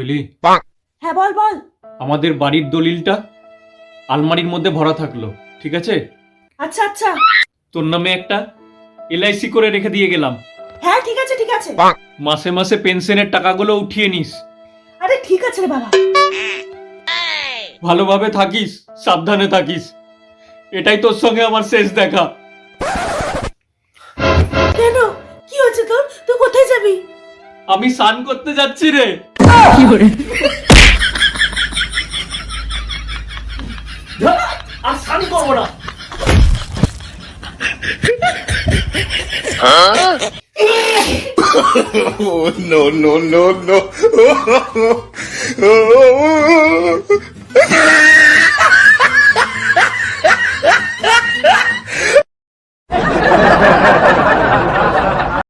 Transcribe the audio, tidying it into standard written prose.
বুঝলি, হ্যাঁ বল বল। আমাদের বাড়ির দলিলটা আলমারির মধ্যে ভরা থাকলো, ঠিক আছে? আচ্ছা আচ্ছা, তোর নামে একটা এলআইসি করে রেখে দিয়ে গেলাম। হ্যাঁ ঠিক আছে ঠিক আছে। মাসে মাসে পেনশনের টাকাগুলো উঠিয়ে নিস। আরে ঠিক আছে রে বাবা। ভালোভাবে থাকিস, সাবধানে থাকিস। এটাই তোর সঙ্গে আমার শেষ দেখা। কেন, কি হয়েছে তোর? তুই কোথায় যাবি? আমি স্নান করতে যাচ্ছি রে। ধ্যাৎ, আর স্নান করবো না। Oh, no, no, no, no.